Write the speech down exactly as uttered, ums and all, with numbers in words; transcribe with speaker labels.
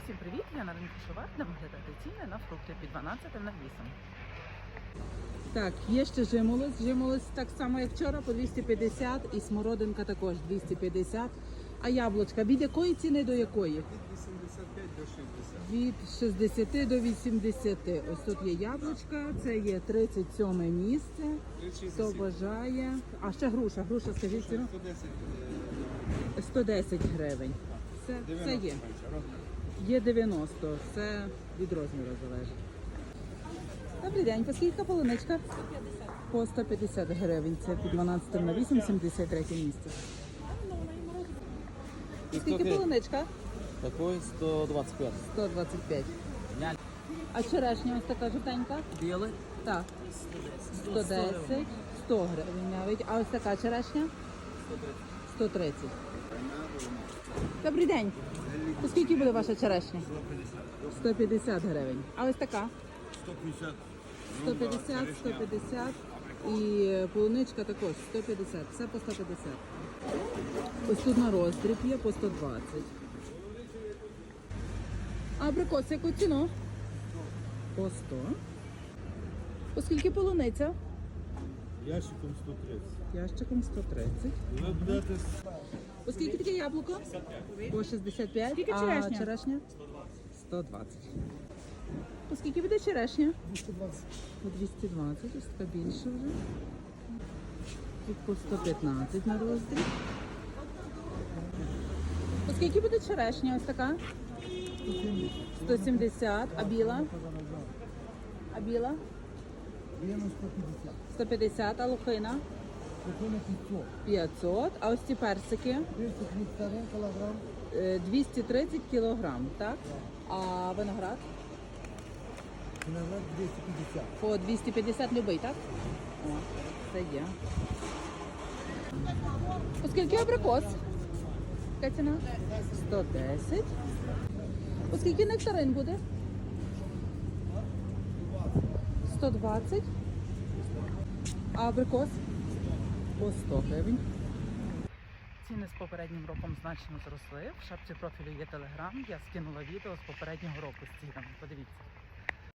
Speaker 1: Всім привіт! Я на ринку Шовар, де виглядати ціни на фрукти під дванадцятим навісом.
Speaker 2: Так, є ще жимолость. Жимолость так само, як вчора, по двісті п'ятдесят і смородинка також двісті п'ятдесят. А яблучка від якої ціни до якої?
Speaker 3: Від вісімдесят п'ять до шістдесят.
Speaker 2: Від шістдесяти до вісімдесяти. Ось тут є яблучка, це є тридцять сьоме місце. Хто бажає. А ще груша, груша, скажіть ціну?
Speaker 3: сто десять.
Speaker 2: сто десять гривень. Все, все є. Є дев'яносто, все від розміру залежить. Добрий день, по скільки полуничка? сто п'ятдесят. По сто п'ятдесят гривень, це під дванадцятим навісом, сімдесят третє місце. І скільки полуничка?
Speaker 4: Такой сто двадцать пять.
Speaker 2: сто двадцять п'ять. А черешня ось така жовтенька?
Speaker 4: Белый?
Speaker 2: Так. сто десять, сто гривень навіть. А ось така черешня? сто тридцять. Добрий день. По скільки буде ваша черешня? сто п'ятдесят гривень. А ось така?
Speaker 3: сто п'ятдесят.
Speaker 2: сто п'ятдесят, сто п'ятдесят. І полуничка також сто п'ятдесят. Все по сто п'ятдесят. Ось тут на роздріб є по сто двадцять. А абрикос яку ціну? По сто. По скільки полуниця?
Speaker 3: Ящиком сто тридцять.
Speaker 2: Ящиком сто тридцять.
Speaker 3: Ви будете
Speaker 2: По скільки таке яблуко? По шістдесят п'ять.
Speaker 1: Скільки
Speaker 2: А
Speaker 1: черешня?
Speaker 2: черешня? сто двадцять. По скільки буде черешня?
Speaker 3: двісті двадцять.
Speaker 2: По двісті двадцять, ось така більше вже. Тут по сто п'ятнадцять на роздріб. По скільки буде черешня ось така? сто сімдесят. А біла? А біла? сто п'ятдесят. А лохина? п'ятсот. А ось ці персики? Е, двісті тридцять кілограм, так? А виноград? По двісті п'ятдесят любий, так? О, це є. По скільки абрикос? Яка ціна? сто десять. По скільки нектарин буде? сто двадцять. А абрикос? По сто гривень.
Speaker 1: Ціни з попереднім роком значно зросли. В шапці профілю є телеграм. Я скинула відео з попереднього року з цінами. Подивіться.